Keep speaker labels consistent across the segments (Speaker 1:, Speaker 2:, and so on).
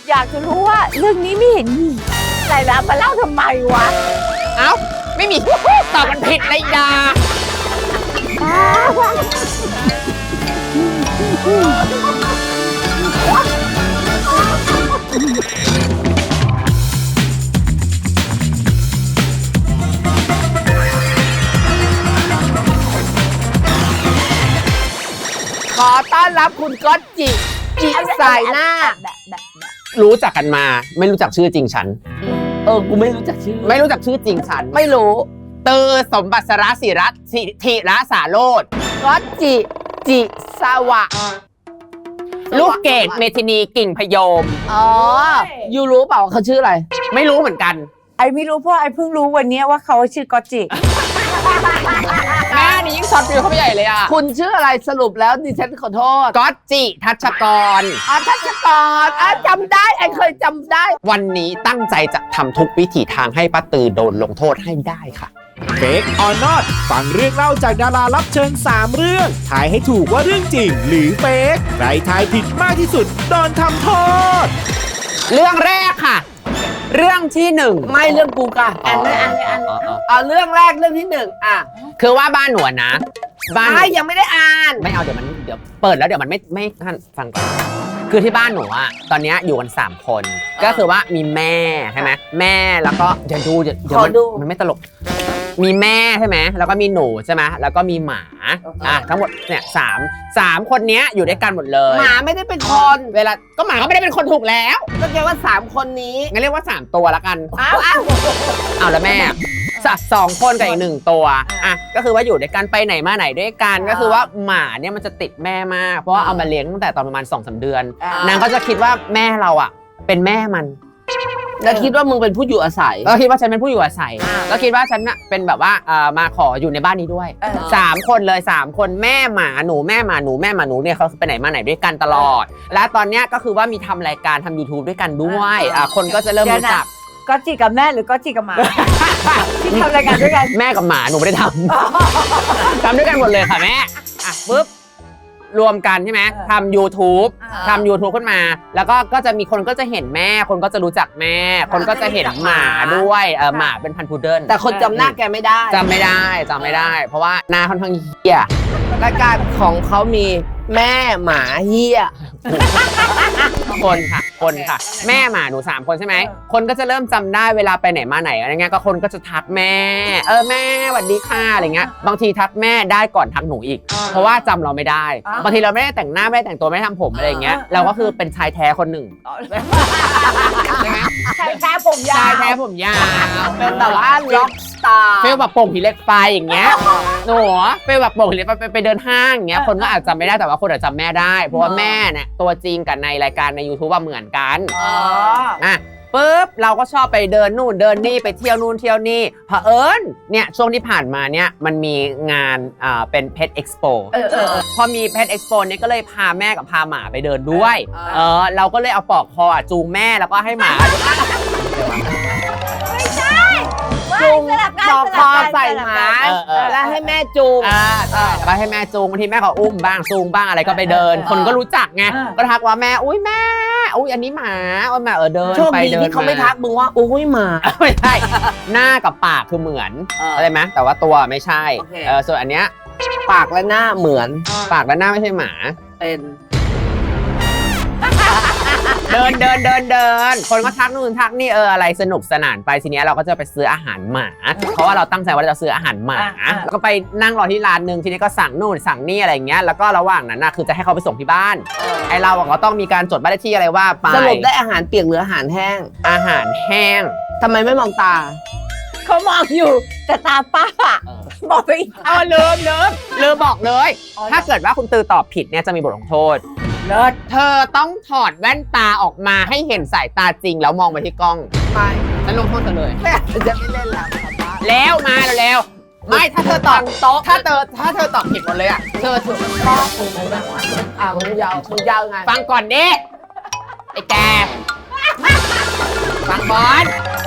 Speaker 1: อยากจะรู้ว่าเรื่องนี้ไม่เห็นมีอะไรแล้วมาเล่าทำไมวะ
Speaker 2: เอ้าไม่มีตอบมันผิดเลยดาขอต้อนรับคุณก๊อตจิสายหน้ารู้จักกันมาไม่รู้จักชื่อจริงฉัน
Speaker 3: กูไม่รู้จักชื่อ
Speaker 2: ไม่รู้จักชื่อจริงฉัน
Speaker 3: ไม่รู้
Speaker 2: เตอสมบัติสระศิรัตน์ธิระสาโรจน์
Speaker 3: ก๊อตจิสวะ
Speaker 2: ลูกเกดเมทินีกิ่งพยม
Speaker 3: ยูรู้เปล่าเขาชื่ออะไร
Speaker 2: ไม่รู้เหมือนกัน
Speaker 1: ไอไม่รู้เพราะไอเพิ่งรู้วันนี้ว่าเขาชื่อก๊อตจิ
Speaker 2: แม่นี่ยิ่งช็อตฟิลเข้าไปใหญ่เลยอ่ะ
Speaker 3: คุณชื่ออะไรสรุปแล้วดิฉันขอโทษ
Speaker 2: ก๊อตจิทัชกร
Speaker 3: ทัชกรจำได้ไอเคยจำได้
Speaker 2: วันนี้ตั้งใจจะทำทุกวิถีทางให้ป้าตือโดนลงโทษให้ได้ค่ะ
Speaker 4: เฟกออนนอตฟังเรื่องเล่าจากดารารับเชิญ3 เรื่องทายให้ถูกว่าเรื่องจริงหรือเฟกใครทายผิดมากที่สุดโดนทำโทษ
Speaker 2: เรื่องแรกค่ะเรื่องที่1
Speaker 3: ไม่เรื่องกูค่ะเอาเรื่องแรกเรื่องที่
Speaker 2: คือว่าบ้านหนูนะ
Speaker 3: บ้านยังไม่ได้อ่าน
Speaker 2: ไม่เอาเดี๋ยวเปิดแล้วเดี๋ยวมันไม่ท่านฟังก่อนคือที่บ้านหนูอะตอนนี้อยู่กัน3 คนก็คือว่ามีแม่ใช่ไหมแม่แล้วก็เดี๋ยวมันไม่ตลกมีแม่ใช่ไหมแล้วก็มีหนูใช่ไหมแล้วก็มีหมาทั้งหมดเนี่ย3คนนี้อยู่ด้วยกันหมดเลย
Speaker 3: หมาไม่ได้เป็นคน
Speaker 2: เวลาก็หมาก็ไม่ได้เป็นคนถูกแล้ว
Speaker 3: ก็แปลว่า3 คนนี้
Speaker 2: งั้นเรียกว่า3 ตัวละกันเอาแล้วแม่2 คนกับอีก1 ตัวก็คือว่าอยู่ด้วยกันไปไหนมาไหนด้วยกันก็คือว่าหมาเนี่ยมันจะติดแม่มากเพราะว่าเอามาเลี้ยงตั้งแต่ตอนประมาณ2-3 เดือนนางก็จะคิดว่าแม่เราอ่ะเป็นแม่มัน
Speaker 3: แล้วคิดว่ามึงเป็นผู้อยู่อาศัย
Speaker 2: ก็คิดว่าฉันเป็นผู้อยู่อาศัยก็คิดว่าฉันน่ะเป็นแบบว่ามาขออยู่ในบ้านนี้ด้วย3 คนเลย3 คนแม่หมาหนูแม่หมาหนูแม่หมาหนูเนี่ยเขาไปไหนมาไหนด้วยกันตลอดและตอนเนี้ยก็คือว่ามีทำรายการทำ YouTube ด้วยกันด้วยคนก็จะเริ่มรู้จัก
Speaker 1: ก๊อตจิกับแม่หรือก๊อตจิกับหมาที่ทำรายการด้วยกัน
Speaker 2: แม่กับหมาหนูไม่ได้ทำด้วยกันหมดเลยค่ะแม่ปุ๊บรวมกันใช่ไหมทำ YouTube ขึ้นมาแล้วก็จะมีคนก็จะเห็นแม่คนก็จะรู้จักแม่คนก็จะเห็นหมาด้วยหมาเป็นพันธุ์พุดเดิ้ล
Speaker 3: แต่คนจำหน้าแกไม่ได้
Speaker 2: จำไม่ได้เพราะว่าหน้าค่อนข้างเหี้ย
Speaker 3: รายการของเขามีแม่หมาเหี้ย
Speaker 2: คนค่ะแม่หมาหนู3 คนใช่ไหมคนก็จะเริ่มจำได้เวลาไปไหนมาไหนอะไรเงี้ยก็คนก็จะทักแม่แม่สวัสดีค่ะอะไรเงี้ยบางทีทักแม่ได้ก่อนทักหนูอีกเพราะว่าจำเราไม่ได้บางทีเราไม่ได้แต่งหน้าไม่ได้แต่งตัวไม่ได้ทำผมอะไรเงี้ยเราก็คือเป็นชายแท้คนหนึ่ง
Speaker 1: ใช่ไหมชายแท้ผมยาว
Speaker 3: เป็นแบบว่าล็อกสตาร์
Speaker 2: ฟีลแบบโป่งผีเหล็กไฟอย่างเงี้ยหนูฟีลแบบโป่งผีเหล็กไฟไปเดินห้างอย่างเงี้ยคนก็อาจจะจำไม่ได้แต่ว่าคนอาจจะจำแม่ได้เพราะว่าแม่เนี่ยตัวจริงกับในรายการใน YouTube เหมือนกันปุ๊บเราก็ชอบไปเดินนู่นเดินนี่ไปเที่ยวนู่นเที่ยวนี่เผอิญเนี่ยช่วงที่ผ่านมาเนี่ยมันมีงานเป็น Pet Expo พอมี Pet Expo เนี่ยก็เลยพาแม่กับพาหมาไปเดินด้วยเราก็เลยเอาปลอกคอจูงแม่แล้วก็ให้หมา
Speaker 3: จูงปอกคอใส่หมาแล้วให้แม่จูง
Speaker 2: ไปให้แม่จูงบางทีแม่ก็อุ้มบ้างจูงบ้างอะไรก็ไปเดินคนก็รู้จักไงก็ทักว่าแม่อุ้ยแม่อุ้ยอันนี้หมาแม่เดิน
Speaker 3: ไปเดินที่เขาไม่ทักมึงว่าอุ้ยหมา
Speaker 2: ไม่ใช่หน้ากับปากคือเหมือนอะไรไหมแต่ว่าตัวไม่ใช่ส่วนอันเนี้ย
Speaker 3: ปากและหน้าเหมือน
Speaker 2: ปากและหน้าไม่ใช่หมา
Speaker 3: เป็น
Speaker 2: เดินคนก็ทักนู่นทักนี่อะไรสนุกสนานไปทีนี้เราก็จะไปซื้ออาหารหมาเพราะว่าเราตั้งใจว่าจะซื้ออาหารหมาแล้วก็ไปนั่งรอที่ร้านนึงทีนี้ก็สั่งนู่นสั่งนี่อะไรเงี้ยแล้วก็ระหว่างนั้นคือจะให้เขาไปส่งที่บ้านไอเราก็ต้องมีการจดบ้านเลขที่อะไรว่าไป
Speaker 3: สรุปได้อาหารเปียกหรืออาหารแห้ง
Speaker 2: อาหารแห้ง
Speaker 3: ทำไมไม่มองตา
Speaker 1: เขามองอยู่แต่ตาป้าบอกไปอีก
Speaker 2: ลืมบอกเลยถ้าเกิดว่าคุณตือตอบผิดเนี่ยจะมีบทลงโทษเธอต้องถอดแว่นตาออกมาให้เห็นสายตาจริงแล้วมองไปที่กล้อง
Speaker 3: ไม่
Speaker 2: ฉันลงโทษเธอเลย
Speaker 3: จะไม่เล่นแล้ว
Speaker 2: มาแล้วไม่ถ้าเธอตอบโต๊ะถ้าเธอตอบผิดหมดเลยเธอถูกต้อง
Speaker 3: มึงยาวไง
Speaker 2: ฟังก่อนดิไอ้แกฟังก่อน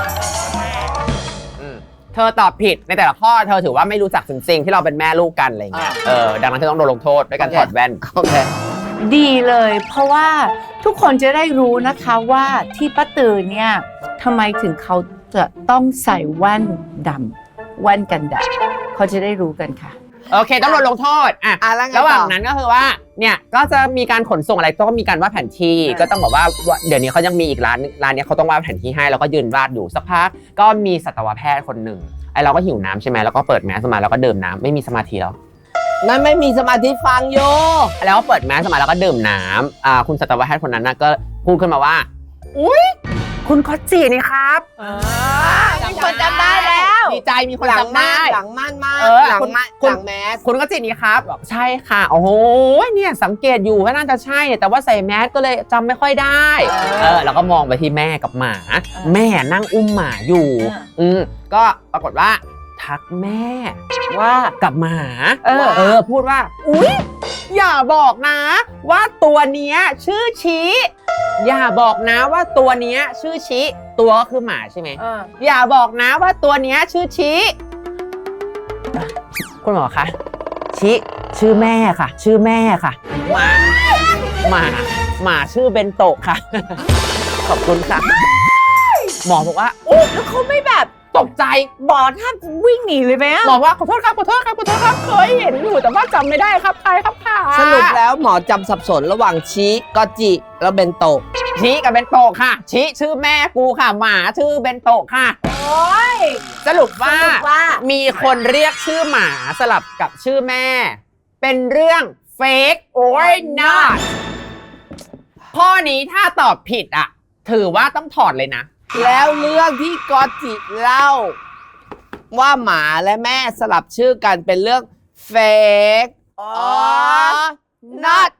Speaker 2: เธอตอบผิดในแต่ละข้อเธอถือว่าไม่รู้จักจริงๆที่เราเป็นแม่ลูกกันอะไรเงี้ยดังนั้นเธอต้องโดนลงโทษด้วยการถอดแว่น
Speaker 3: โอเค
Speaker 1: ดีเลยเพราะว่าทุกคนจะได้รู้นะคะว่าที่ป้าตือเนี่ยทำไมถึงเขาจะต้องใส่แว่นดำแว่นกันแดดเขาจะได้รู้กันค่ะ
Speaker 2: โอเคต้องโดนลงโทษอ่ะ
Speaker 3: แล้วไง
Speaker 2: ระหว่าง
Speaker 3: ต่อ
Speaker 2: นั้นก็คือว่าเนี่ยก็จะมีการขนส่งอะไรต้องมีการวาดแผนที่ก็ต้องบอกว่าเดี๋ยวนี้เขายังมีอีกร้านเนี้ยเขาต้องวาดแผนที่ให้แล้วก็ยืนวาดอยู่สักพักก็มีสัตวแพทย์คนหนึ่งไอเราก็หิวน้ำใช่ไหมแล้วก็เปิดแมสมาแล้วก็ดื่มน้ำไม่มีสมาธิแล้ว
Speaker 3: นั่นไม่มีสมาธิฟังโย
Speaker 2: แล้วก็เปิดแมสมาแล้วก็ดื่มน้ำคุณสัตวแพทย์คนนั้นนะก็พูดขึ้นมาว่าอุ๊ยคุณคอตจีนี่ครับ
Speaker 1: มีคนจำได้แล้ว
Speaker 2: ดีใจมีคน
Speaker 3: หลัง
Speaker 2: จำได้
Speaker 3: หลังม่านมาก
Speaker 2: เออ
Speaker 3: หลัง
Speaker 2: คุณ
Speaker 3: ม่าน
Speaker 2: คุณ
Speaker 3: หลังแมส
Speaker 2: คุณก็จิตนี้ครับบอกใช่ค่ะโอ้โหเนี่ยสังเกตอยู่ว่าน่าจะใช่แต่ว่าใส่แมสก็เลยจำไม่ค่อยได้แล้วก็มองไปที่แม่กับหมาแม่นั่งอุ้มหมาอยู่ก็ปรากฏว่าทักแม่ว่ากับหมาพูดว่าอุ๊ยอย่าบอกนะว่าตัวเนี้ยชื่อชี้อย่าบอกนะว่าตัวเนี้ยชื่อชี้ตัวก็คือหมาใช่ไหมอย่าบอกนะว่าตัวเนี้ยชื่อชี้คุณหมอคะชี้ชื่อแม่ค่ะ ชื่อแม่ค่ะหมาชื่อเบนโตะค่ะ ขอบคุณค่ะหมอบอกว่าโอ้แล้วเขาไม่แบบตกใจหมอท่านวิ่งหนีเลยไหมหมอว่าขอโทษครับขอโทษครับขอโทษครับเคยเห็นอยู่แต่ว่าจำไม่ได้ครับใครครับค่ะ
Speaker 3: สรุปแล้วหมอจำสับสนระหว่างชี้กอจิแล้วเบนโตะ
Speaker 2: ชี้กับเบนโตะค่ะชี้ชื่อแม่กูค่ะหมาชื่อเบนโตะค่ะโอ้ยสรุปว่ามีคนเรียกชื่อหมาสลับกับชื่อแม่เป็นเรื่องเฟกโอ้ย not ข้อนี้ถ้าตอบผิดอ่ะถือว่าต้องถอดเลยนะ
Speaker 3: แล้วเรื่องที่กอจิเล่าว่าหมาและแม่สลับชื่อกันเป็นเรื่องเฟกnot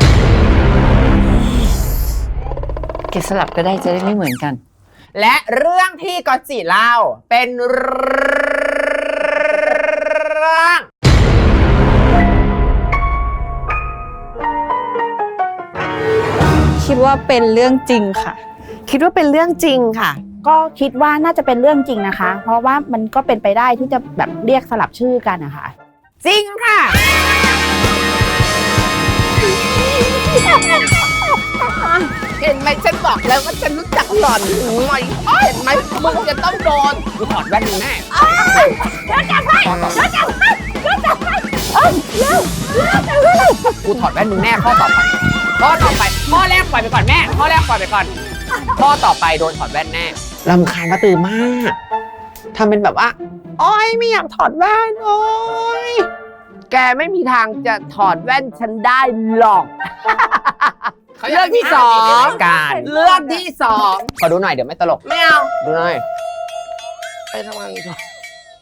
Speaker 1: เก็บสลับก็ได้จะได้ไม่เหมือนกัน
Speaker 2: และเรื่องที่กอจิเล่าเป็นเรื่อง
Speaker 5: คิดว่าเป็นเรื่องจริงค่ะ
Speaker 3: คิดว่าเป็นเรื่องจริงค่ะ
Speaker 5: ก็คิดว่าน่าจะเป็นเรื่องจริงนะคะ เพราะว่ามันก็เป็นไปได้ที่จะแบบเรียกสลับชื่อกันนะคะ
Speaker 2: จริงค่ะ
Speaker 3: เห็นไหมฉันบอกแล้วว่าฉันรู้จักหล่อนหน่อยเห็นไหมมึงจะต้องโดน
Speaker 2: กูถอดแว่นมึงแน่กูถอดแว่นมึงแน่ข้อต่อไปข้อแรกปล่อยไปก่อนแม่ข้อแรกปล่อยไปก่อนข้อต่อไปโดนถอดแว่นแน่รำคาญป้าตือมากทำเป็นแบบว่าโอ๊ยไม่อยากถอดแว่นโอ๊ย
Speaker 3: แกไม่มีทางจะถอดแว่นฉันได้หรอก เรื่องที่สอง
Speaker 2: การ
Speaker 3: เรื่องที่สอง
Speaker 2: ขอดูหน่อยเดี๋ยวไม่ตลก
Speaker 3: ไม่เอา
Speaker 2: ดูหน่อย
Speaker 3: ไปทำงานก่อน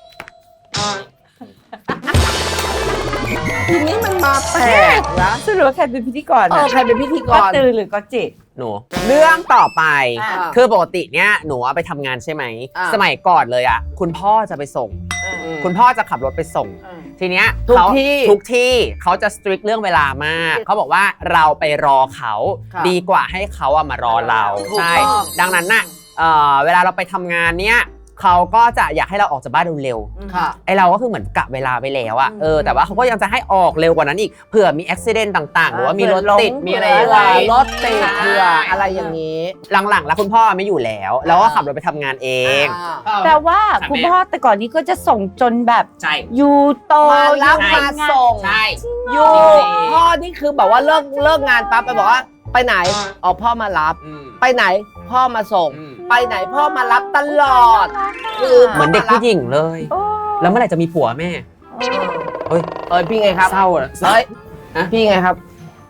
Speaker 3: ทีนี้มันมาแปลกนะ
Speaker 1: สรุปว่าใครเป็นพิธีกร
Speaker 3: ใครเป็นพิธีก
Speaker 1: ก็
Speaker 3: ร
Speaker 1: ตือหรือก็จิ
Speaker 2: หนูเรื่องต่อไป
Speaker 3: อ่า
Speaker 2: คือปกติเนี่ยหนูไปทำงานใช่ไหม
Speaker 3: อ่า
Speaker 2: สมัยก่อนเลยอ่ะคุณพ่อจะไปส่ง คุณพ่อจะขับรถไปส่ง ทีเนี้ย
Speaker 3: ทุก
Speaker 2: เขา
Speaker 3: ที่
Speaker 2: ทุกที่เขาจะสตริกเรื่องเวลามากเขาบอกว่าเราไปรอเขา
Speaker 3: ครับ
Speaker 2: ดีกว่าให้เขาอะมารอเรา
Speaker 3: ถูก
Speaker 2: ใช่
Speaker 3: ต้อง
Speaker 2: ดังนั้นน่ะเวลาเราไปททำงานเนี้ยเขาก็จะอยากให้เราออกจากบ้านเร็วๆ
Speaker 3: ค่ะ
Speaker 2: ไอเราก็คือเหมือนกะเวลาไปแล้วอะแต่ว่าเขาก็ยังจะให้ออกเร็วกว่านั้นอีกเผื่อมีอุบิเหตุต่างๆ หรือว่ามีรถติดมีอะไรอย่าง
Speaker 3: เวลา
Speaker 2: เงี้ย
Speaker 3: รถติดเผื่ออะไรอย่างนี้
Speaker 2: หลังๆแล้วคุณพ่อไม่อยู่แล้วแล้วก็ขับรถไปทำงานเอง
Speaker 1: แต่ว่าคุณพ่อแต่ก่อนนี้ก็จะส่งจนแบบ
Speaker 2: ใช่
Speaker 1: ยูโต
Speaker 3: มารับ
Speaker 1: อยู่
Speaker 3: มา
Speaker 1: ทำงน
Speaker 3: ส่ง
Speaker 2: ใช่
Speaker 3: อยู่ พ่อนี่คือแบบว่าเลิกงานปั๊บไปบอกว่าไปไหนอ๋อพ่อมารับ ไปไหนพ่อมาส่ง ไปไหนพ่อมารับตลอด คือ
Speaker 2: เหมือนเด็กผู้หญิงเลย
Speaker 1: โอ้
Speaker 2: แล้วเมื่อไหร่จะมีผัวแม่เฮ้ย
Speaker 3: พี่ไงครับ
Speaker 2: เศร้าอะ
Speaker 3: เฮ้ยพี่ไงครับ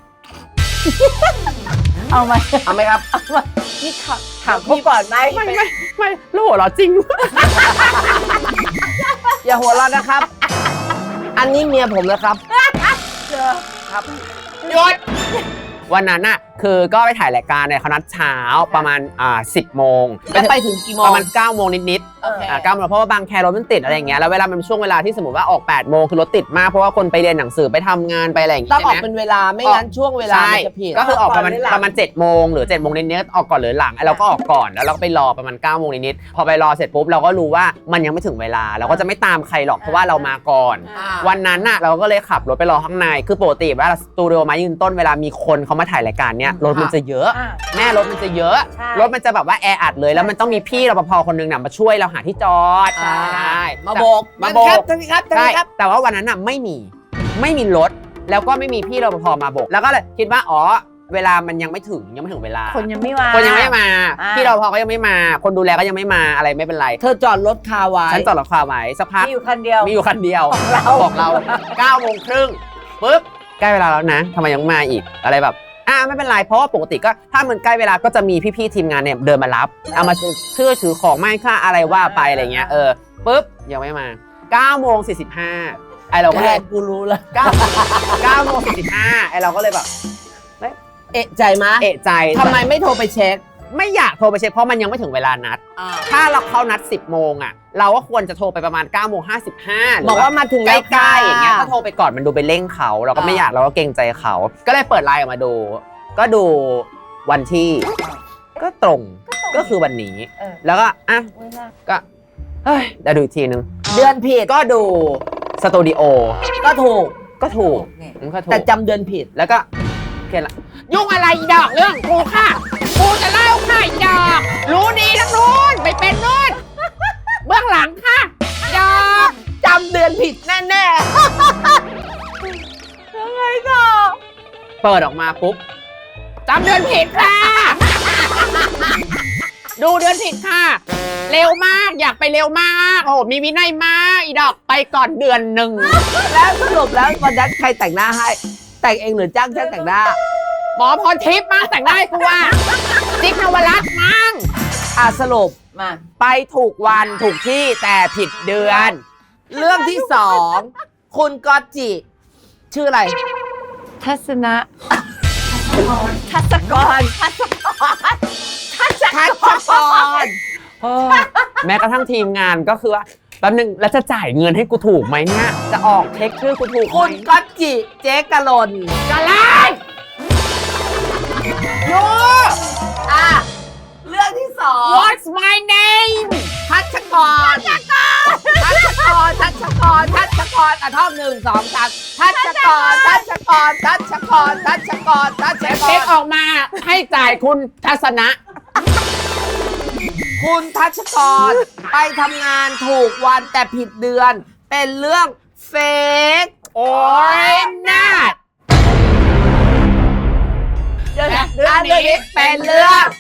Speaker 1: เอามา
Speaker 3: เอาไหมครับ
Speaker 1: นี่ถามเขาก่อนไหม
Speaker 2: ไม่แล้วหัวเราะจริง
Speaker 3: อย่าหัวเราะนะครับ อันนี้เมียผมนะครับ ครับ
Speaker 2: หยุดวันนั้นน่ะคือก็ไปถ่ายรายการเนี่ยเขานัดเช้าประมาณ10 โมง
Speaker 3: แล้วไปถึงกี่โมง
Speaker 2: ประมาณ9 โมงนิด 9 โมงเพราะว่าบางแครถมันติดอะไรอย่างเงี้ยแล้วเวลามันช่วงเวลาที่สมมติว่าออก 8 โมงคือรถติดมากเพราะว่าคนไปเรียนหนังสือไปทำงานไปอะไรอย่างเงี้ย
Speaker 3: ต้องออก
Speaker 2: ใช่ไหม
Speaker 3: เป็นเวลาไม่งั้นช่วงเวลา
Speaker 2: ใช่
Speaker 3: มันจะผิด
Speaker 2: ก็คือออกประมาณ7 โมงหรือ7 โมงนิดๆออกก่อนหรือหลังเราก็ออกก่อนแล้วเราก็ไปรอประมาณ9 โมงนิดๆพอไปรอเสร็จปุ๊บเราก็รู้ว่ามันยังไม่ถึงเวลาเราก็จะไม่ตามใครหรอกเพราะว่าเรามาก่อน วันนั้นน่ะเราก็เลยขับรถไปรอข้างในคือปกติเวลาสตูดิโอมายืนต้นเวลามีคนเขามาถ่ายรายการเนี้ยรถมันจะเยอะแม่รถมันจะเยอะรถมันจะแบบว่าแออัดเลยแล้วมันต้องมีพี่รปภคนนึงน่ะมาช่วยเราหาที่จอดใช่
Speaker 3: มาโบก
Speaker 2: มาโบก
Speaker 3: ท่านครับ
Speaker 2: ใช่แต่ว่าวันนั้นน่ะไม่มีรถแล้วก็ไม่มีพี่รปภมาโบกแล้วก็เลยคิดว่าอ๋อเวลามันยังไม่ถึงเวลา
Speaker 1: คนยังไม่มา
Speaker 2: คนยังไม่มาพี่รปภก็ยังไม่มาคนดูแลก็ยังไม่มาอะไรไม่เป็นไร
Speaker 3: เธอจอดรถคาไว้
Speaker 2: ฉันจอดรถคาไว้สักพัก
Speaker 1: มีอยู่คันเดียว
Speaker 2: มีอยู่คันเดียวบอกเรา9 โมงครึ่งปุ๊บใกล้เวลาแล้วนะทำไมยังมาอีกอะไรแบบไม่เป็นไรเพราะว่าปกติก็ถ้ามันใกล้เวลาก็จะมีพี่ๆทีมงานเนี่ยเดินมารับเอามาถือของไม่ค่าอะไรว่าไปอะไรเงี้ยปุ๊บยังไม่มา9 โมง 45ไอเราก็
Speaker 3: แค่
Speaker 2: เลย
Speaker 3: กูรู้แล้ว
Speaker 2: 9 โมง 45ไอเราก็เลยแบบ
Speaker 3: เอะใจมะ
Speaker 2: เอะใจ
Speaker 3: ทำไมไม่โทรไปเช็ค
Speaker 2: ไม่อยากโทรไปเช็คเพราะมันยังไม่ถึงเวลานัดถ้าเราเข้านัด 10 โมงอ่ะเราก็ควรจะโทรไปประมาณ9 โมง 55หรื
Speaker 3: บอกว่ามาถึง
Speaker 2: ใก
Speaker 3: แล้ว
Speaker 2: ล้ๆอย่างเงี้ยก็โทรไปก่อนมันดูไปเร่งเขาเราก็ไม่อยากเราก็เกรงใจเขาก็เลยเปิดไลน์ออกมาดูก็ดูวันที่ก็ตรงก็คือวันนี้แล้วก็ก็เฮ้ยเดี๋ยวดูอีกทีนึง
Speaker 3: เดือนผิด
Speaker 2: ก็ดูสตูดิโอ
Speaker 3: ก็ถูก
Speaker 2: ก็ถูกก็ถูก
Speaker 3: แต่จำเดือนผิด
Speaker 2: แล้วก็เขียนละยุ่งอะไรอีดอกเรื่องกูค่ะกูจะเล่าค่ะอีดอกรู้ดีทั้งนู้นไปเป็นนู้นเบื้องหลังค่ะอีดอก
Speaker 3: จำเดือนผิดแน่
Speaker 1: ยังไงต่อ
Speaker 2: เปิดออกมาปุ๊บจำเดือนผิดค่ะ ดูเดือนผิดค่ะ เร็วมากอยากไปเร็วมากโอ้มีวินัยมากอีดอกไปก่อนเดือนหนึ่ง
Speaker 3: ๆแล้วสรุปแล้ววันนั้นใครแต่งหน้าให้ แต่งเองหรือจ้างช่างแต่งหน้า
Speaker 2: หมอพรทิพย์มั้งแต่งได้กูว่าจิ๊กนวรัตน์มั้ง
Speaker 3: สรุป
Speaker 1: มา
Speaker 2: ไปถูกวันถูกที่แต่ผิดเดือน
Speaker 3: เรื่องที่สองคุณก๊อตจิ ชื่ออะไร
Speaker 1: ทัศนะทัศกร
Speaker 2: แม้กระทั่งทีมงานก็คือว่าแป๊บนึงแล้วจะจ่ายเงินให้กูถูกไหมเนี่ยจะออกเช็คชื่อกูถูกไหม
Speaker 3: คุณก๊อตจิ เจ๊กะลน
Speaker 2: กะไลโย
Speaker 3: เรื่องที่สอง
Speaker 2: What's my name
Speaker 3: ทัชกรท่อง1 2 3ทัชกร
Speaker 2: เช็คออกมาให้จ่ายคุณทัศนะ
Speaker 3: คุณทัชกร ไปทำงานถูกวันแต่ผิดเดือน เป็นเรื่องเฟก
Speaker 2: โอ้ยนาด
Speaker 3: เรื่อง
Speaker 2: เรื่องนี้
Speaker 3: นี้
Speaker 2: เป็
Speaker 3: เป็น
Speaker 2: นเรื่
Speaker 3: เรื่อ
Speaker 2: อง ง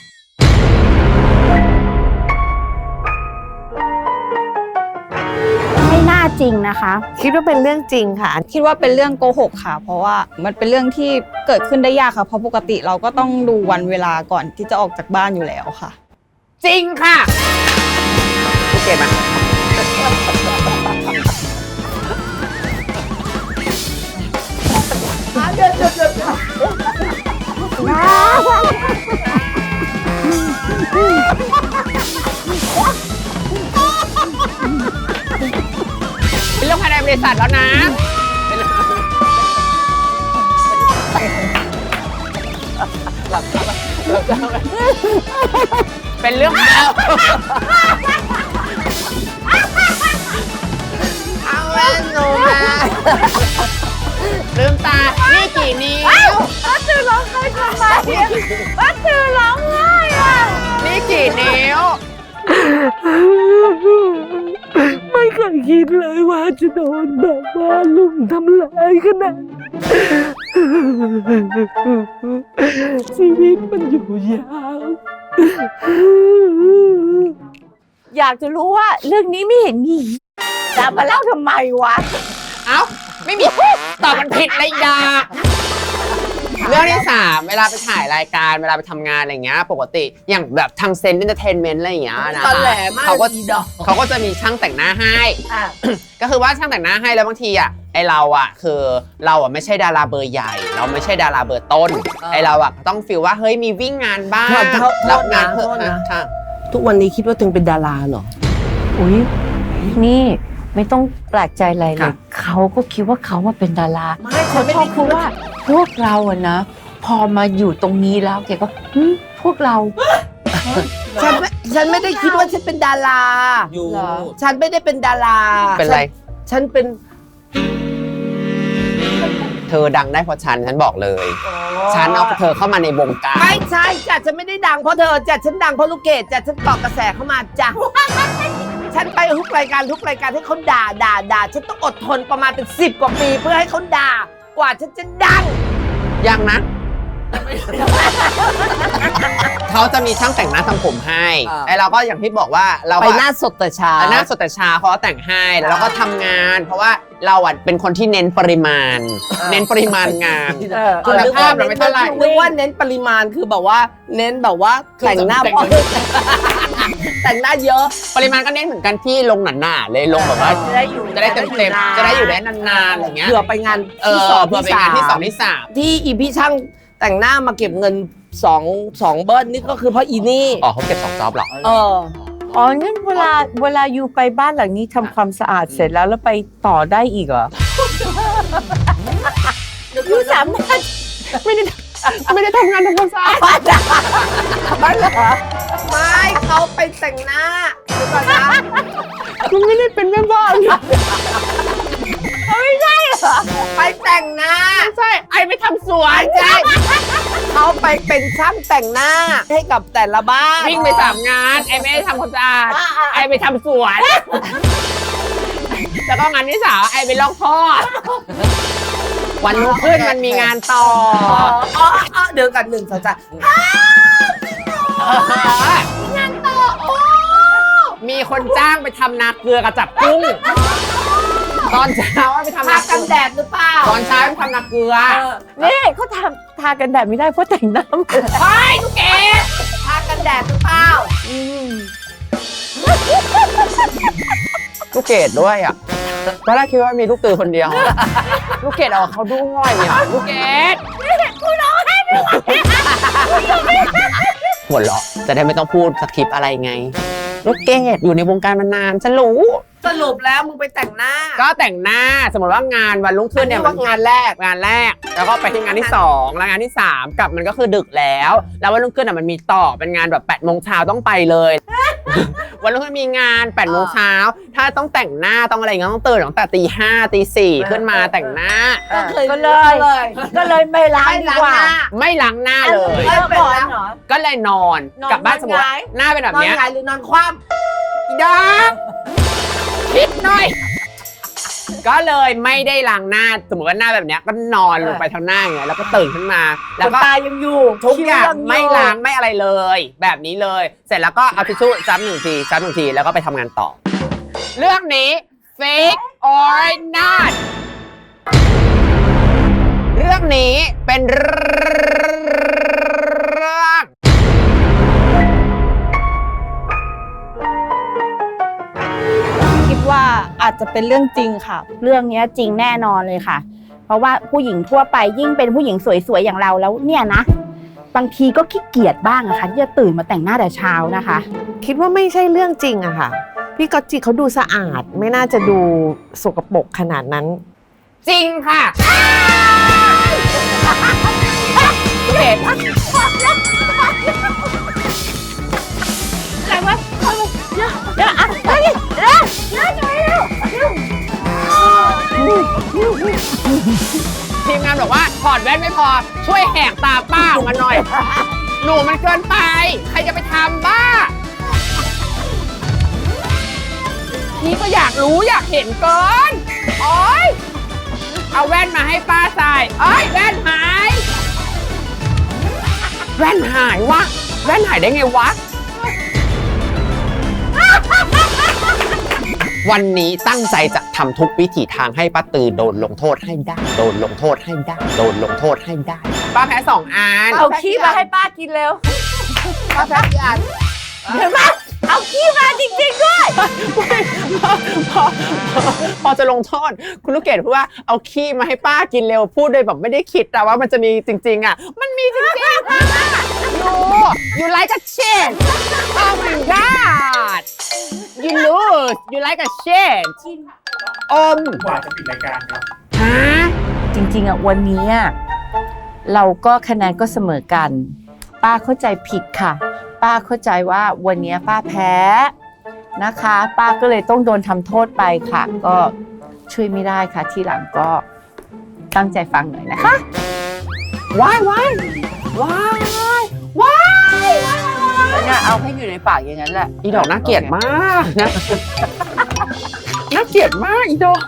Speaker 5: ไม่น่าจริงนะคะ
Speaker 1: คิดว่าเป็นเรื่องจริงค่ะ
Speaker 6: คิดว่าเป็นเรื่องโกหกค่ะ เพราะว่ามันเป็นเรื่องที่เกิดขึ้นได้ยากค่ะ เพราะปกติเราก็ต้องดูวันเวลาก่อนที่จะออกจากบ้านอยู่แล้วค่ะ
Speaker 2: จริงค่ะโอเคไหมเป็นเรื่องภายในบริษัทแล้วนะ เป็นเรื่อง
Speaker 3: เอาเล่นหนูนะ
Speaker 2: ลืมตา นี่กี่นิ้ว
Speaker 1: ป้าตือร้องไห้ทำไมป้าตือร้องไห้อ่ะ
Speaker 2: นี่กี่นิ้ว
Speaker 7: ไม่เคยคิดเลยว่าจะโดนแบบว่าลุมทำร้ายขนาดชีวิตมันอยู่ยาว
Speaker 1: อยากจะรู้ว่าเรื่องนี้ไม่เห็นมีจะมาเล่าทำไมวะ
Speaker 2: เอ้า ไม่มีตอบมันผิดเลยดาเรื่องที่ 3 เวลาไปถ่ายรายการเวลาไปทำงานอะไรเงี้ยปกติอย่างแบบทางเซนต์เอนเตอร์เทนเมนต์อะไรอย่างเงี้ยนะ
Speaker 3: ตอนแหลมาก
Speaker 2: เขาก็
Speaker 3: อีดอก
Speaker 2: เขาก็จะมีช่างแต่งหน้าให้ ก็คือว่าช่างแต่งหน้าให้แล้วบางทีอ่ะไอเราอ่ะคือเราอ่ะไม่ใช่ดาราเบอร์ใหญ่ เราไม่ใช่ดาราเบอร์ต้นไอเราอ่ะต้องฟีลว่าเฮ้ยมีวิ่งงานบ้าง
Speaker 3: โทษนะ
Speaker 2: รับงาน
Speaker 3: โทษนะ
Speaker 2: ค่ะ
Speaker 3: ทุกวันนี้คิดว่าตัวเองเป็นดาราเหรอ
Speaker 1: อุ๊ยนี่ไม่ต้องแปลกใจอะไรเล
Speaker 2: ค่ะ
Speaker 1: ยเขาก็คิดว่าเขามาเป็นดารา
Speaker 3: ไม่
Speaker 1: เขาชอบพูดว่าพวกเราอะนะ พอมาอยู่ตรงนี้แล้วแกก็พวกเรา
Speaker 3: ฉันไม่ได้คิดว่าฉันเป็นดารา
Speaker 2: อยู่
Speaker 1: เหรอ
Speaker 3: ฉันไม่ได้เป็นดารา
Speaker 2: เป็นไร
Speaker 3: ฉันเป็น
Speaker 2: เธอดังได้เพราะฉันบอกเลย ฉันเอาเธอเข้ามาในวงการ
Speaker 3: ไม่ใช่จ้ะฉันไม่ได้ดังเพราะเธอจ้ะฉันดังเพราะลูกเกดจ้ะฉันเกาะกระแสเข้ามาจ้ะ ฉันไปทุกรายการให้เขาด่าฉันต้องอดทนประมาณเป็น10 กว่าปีเพื่อให้เขาด่ากว่าฉันจะดัง
Speaker 2: ยังนะ เขาจะมีช่างแต่งหน้าทำผมให้
Speaker 3: อ่า
Speaker 2: ไอเราก็อย่างที่บอกว่าเรา
Speaker 3: ไป
Speaker 2: ก็
Speaker 3: หน้าสดแต่เช้า
Speaker 2: หน้าสดแต่เช้าเขาก็แต่งให้แล้วเราก็ทำงาน เพราะว่าเราอ่ะเป็นคนที่เน้นปริมาณ เน้นปริมาณงาน คุณภาพเราไม่เท่าไหร่
Speaker 3: นึกว่าเน้นปริมาณคือแบบว่าเน้นแบบว่าแต่งหน้า
Speaker 2: แต่ง
Speaker 3: พอแต่งหน้าเยอะ
Speaker 2: ปริมาณก็เน้นเหมือนกันที่ลงหนาๆเลยลงแบบว่า
Speaker 1: จะได้อยู่
Speaker 2: จะได้เต็มๆจะได้อยู่ได้นานๆอะไรเงี้ย
Speaker 3: เผื่อไปงาน
Speaker 2: เอ
Speaker 3: ที่
Speaker 2: อ
Speaker 3: สอง
Speaker 2: เพื่อไปงานที่ 2 ที่ 3
Speaker 3: ที่อีพี่ช่างแต่งหน้ามาเก็บเงิน2เบิ้ลนี่ก็คือเพราะอีนี่
Speaker 2: อ๋อเขาเก็บ2 จ็อบเหรอ
Speaker 3: เออ
Speaker 1: อ๋องั้นเวลาอยู่ไปบ้านหลังนี้ทำความสะอาดเสร็จแล้วไปต่อได้อีกเหรออยู่สามารถ
Speaker 2: ไม่ได้ทำงานทำความสะอาด
Speaker 3: ไม่เขาไปแต่งหน้าเดี๋ยวก่อนนะ
Speaker 2: คุณไม่ได้เป็นแม่บ้าน
Speaker 3: ไปแต่งหน้า
Speaker 2: ใช่ไอไปทำสวน
Speaker 3: ใช่เขาไปเป็นช่างแต่งหน้าให้กับแต่ละบ้าน
Speaker 2: วิ่งไป3 งานไอไม่ได้ทำความสะอาดไอไปทำสวน แล้วก็งานที่3ไอไปลอกท่อวันรุ่งขึ้นมันมีงานต่อ
Speaker 3: เดี๋ยวกัน1 2 3
Speaker 2: มีคนจ้างไปทำนาเกลือกับจับกุ้ง ตอนเช้าไปทำ
Speaker 3: ทา
Speaker 2: นา
Speaker 3: กันแดดหรือเปล่า
Speaker 2: ตอนเช้าไปทำนาเกลือ
Speaker 1: นี่เขาทากันแดดไม่ได้เพราะแต่งหน้าหมด
Speaker 2: เฮ้ยลูกเกด
Speaker 3: ทากันแดดหรือเปล่า
Speaker 2: ลูกเกดด้วยอ่ะตอนแรกคิดว่ามีลูกตือคนเดียว ลูกเกดเอาเขาด้วยอ่ะลูกเกดหัวเราะจะได้ไม่ต้องพูดสคริปต์อะไรไง ลูกเกดอยู่ในวงการมานานฉันรู้
Speaker 3: สรุปแล้วมึงไปแต่งหน้า
Speaker 2: ก็แต่งหน้าสมมติว่างานวันรุ่งขึ้นเนี่ย
Speaker 3: อันนี้ว่างานแรก
Speaker 2: แล้วก็ไปที่งานที่ 2 แล้วงานที่ 3 กลับมันก็คือดึกแล้ว แล้ววันรุ่งขึ้นมันมีต่อเป็นงานแบบ8 โมงเช้าต้องไปเลย วันรุ่งขึ้นมีงาน8 โมงเช้าถ้าต้องแต่งหน้าต้องอะไรเงี้ยต้องตื่นตั้งแต่ตี 5 ตี 4ขึ้นมาแต่งหน้า
Speaker 1: ก็เลยไม่ล้างดีกว่า
Speaker 2: ไม่ล้างหน้าเลย
Speaker 1: เลิกก่อนเหรอ
Speaker 2: ก็เลยนอน
Speaker 1: นอน
Speaker 2: กลับบ้านสมมติว่า
Speaker 1: หงาย
Speaker 2: หน้าเป็นแบบ
Speaker 3: นอน
Speaker 2: เนี้ย
Speaker 3: หงายหรือนอนคว่
Speaker 2: อีดอกคิดหน่อย ก็เลยไม่ได้ล้างหน้าสมมติว่าหน้าแบบเนี้ยก็นอนลงไปทางหน้าอย่างเงี้ยแล้วก็ตื่นขึ้นมา แล้วก็
Speaker 1: ตายังอยู่
Speaker 2: ทุกอย่าง
Speaker 1: คิ้วง
Speaker 2: ไม่ล้างไม่อะไรเลย แบบนี้เลย เสร็จแล้วก็เอาทิชชู่ซับ1 ทีซับ1 ทีแล้วก็ไปทำงานต่อ เรื่องนี้ fake or not เรื่องนี้เป็นเรื่อง
Speaker 6: คิดว่าอาจจะเป็นเรื่องจริงค่ะ
Speaker 5: เรื่องเนี้ยจริงแน่นอนเลยค่ะ เพราะว่าผู้หญิงทั่วไปยิ่งเป็นผู้หญิงสวยๆอย่างเราแล้วเนี่ยนะ บางทีก็ขี้เกียจบ้างอะค่ะที่จะตื่นมาแต่งหน้าแต่เช้านะคะ
Speaker 8: คิดว่าไม่ใช่เรื่องจริงอะค่ะ พี่ก๊อตจิเขาดูสะอาดไม่น่าจะดูสกปรกขนาดนั้น
Speaker 2: จริงค่ะเห็นทีมงานบอกว่าถอดแว่นไม่พอช่วยแหกตาป้าออกมาหน่อย หนูมันเกินไป ใครจะไปทำบ้า พี่ก็อยากรู้อยากเห็นเกินโอ๊ยเอาแว่นมาให้ป้าใส่เอ้ยแว่นหาย แว่นหายวะแว่นหายได้ไงวะ วันนี้ตั้งใจจะทำทุกวิถีทางให้ป้าตือโดนลงโทษให้ได้ โดนลงโทษให้ได้ โดนลงโทษให้ได้ ป้าแพ้2 อัน
Speaker 1: เอาขี้มาให้ป้ากินเร็ว
Speaker 3: ำป้าแพทย์อ่าน
Speaker 1: เห็นไหมเอาขี้มาจริงๆด้วย
Speaker 2: พอจะลงโทษคุณลูกเกดพูดว่าเอาขี้มาให้ป้ากินเร็วพูดโดยแบบไม่ได้คิดแต่ว่ามันจะมีจริงๆอ่ะมันมีจริงๆค่ะyou like a shit oh my god you lose you like a shit อม
Speaker 4: กว่าจะปิดรายการครับ
Speaker 2: ฮะ
Speaker 1: จริงๆอ่ะวันนี้อะเราก็คะแนนก็เสมอกัน ป้าเข้าใจผิดค่ะ ป้าเข้าใจว่าวันนี้ป้าแพ้นะคะ ป้าก็เลยต้องโดนทำโทษไปค่ะ ก็ช่วยไม่ได้ค่ะทีหลังก็ตั้งใจฟังหน่อยนะคะ
Speaker 2: ว้ายว้ายว้ายว้ายว้าย
Speaker 1: แล้วเนี่ยเอาให้อยู่ในปากอย่างนั้นแหละ
Speaker 2: อีดอกน่าเกลียดมากนะ น่าเกลียดมากอีดอก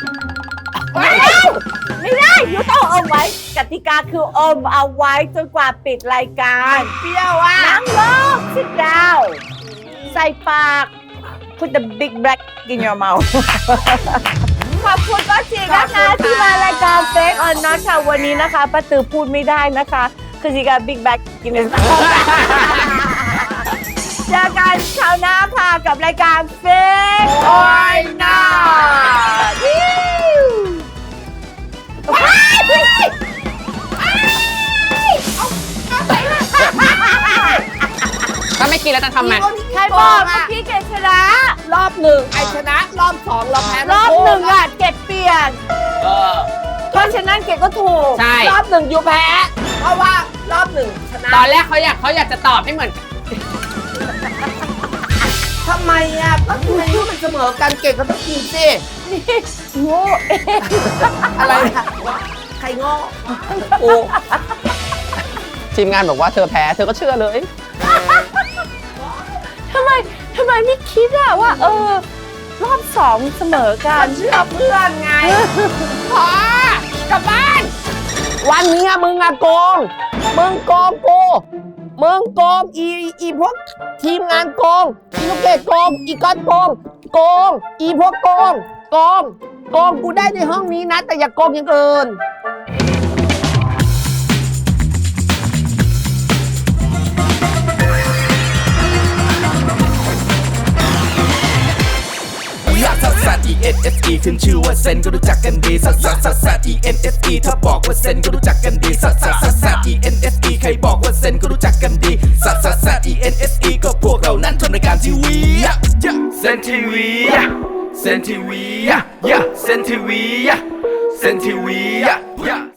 Speaker 1: ไม่ได้ยูต้องอมไว้กติกาคืออมเอาไว้จนกว่าปิดรายการเปรี้ยวอ่ะนั่งลง sit down ใส่ปาก put the big black in your mouth ขอบคุณป้าจีนะคะที่มารายการ Fake or Not ค่ะวันนี้นะคะป้าตือพูดไม่ได้นะคะคือจีกับ big black in his mouth เจอกันคราวหน้าค่ะกับรายการ Fake or Not
Speaker 2: ถ้าไม่กินแล้วจะทำไง
Speaker 1: ใครบอกว่าพี่เกดชนะ
Speaker 3: รอบหนึ่งไอชนะ รอบสองเราแพ้
Speaker 1: รอบหนึ่งอ่ะเกดเปลี่ยน
Speaker 2: เออ
Speaker 1: เพราะฉะนั้นเกดก็ถูก
Speaker 2: ใช่
Speaker 3: รอบหนึ่งอยู่แพ้ เพราะว่ารอบหนึ่งชนะ
Speaker 2: ตอนแรกเขาอยากจะตอบให้เหมือน
Speaker 3: ทำไมอ่ะก็ทำไมมันเสมอกันเก่งก็ต้องกินสิ
Speaker 1: โง่เอง
Speaker 3: อะไรนะใครโง่โอ้
Speaker 2: ทีมงานบอกว่าเธอแพ้เธอก็เชื่อเลย
Speaker 1: ทำไมไม่คิดอะว่า รอบสองเสมอกัน
Speaker 3: เชื่อเพื่อนไง
Speaker 2: พอกลับบ้าน
Speaker 3: วันนี้อะมึงอะโกง มึงโกงกู มึงโกงอีพวกทีมงานโกง อีลูกเกดโกง อีก้อนโกง โกง อีพวกโกง โกง โกงกูได้ในห้องนี้นะ แต่อย่าโกงอย่างอื่น
Speaker 9: ลักซักซัก E N S E ขึ้นชื่อว่าเซนก็รู้จักกันดีซักซักซักซัก E N S E ถ้าบอกว่าเซนก็รู้จักกันดีซักซักซักซัก E N S E ใครบอกว่าเซนก็รู้จักกันดีซักซักซัก E N S E ก็พวกเรานั้นทำรายการทีวีเซนทีวีเซนทีวีเซนทีวีเซนทีวี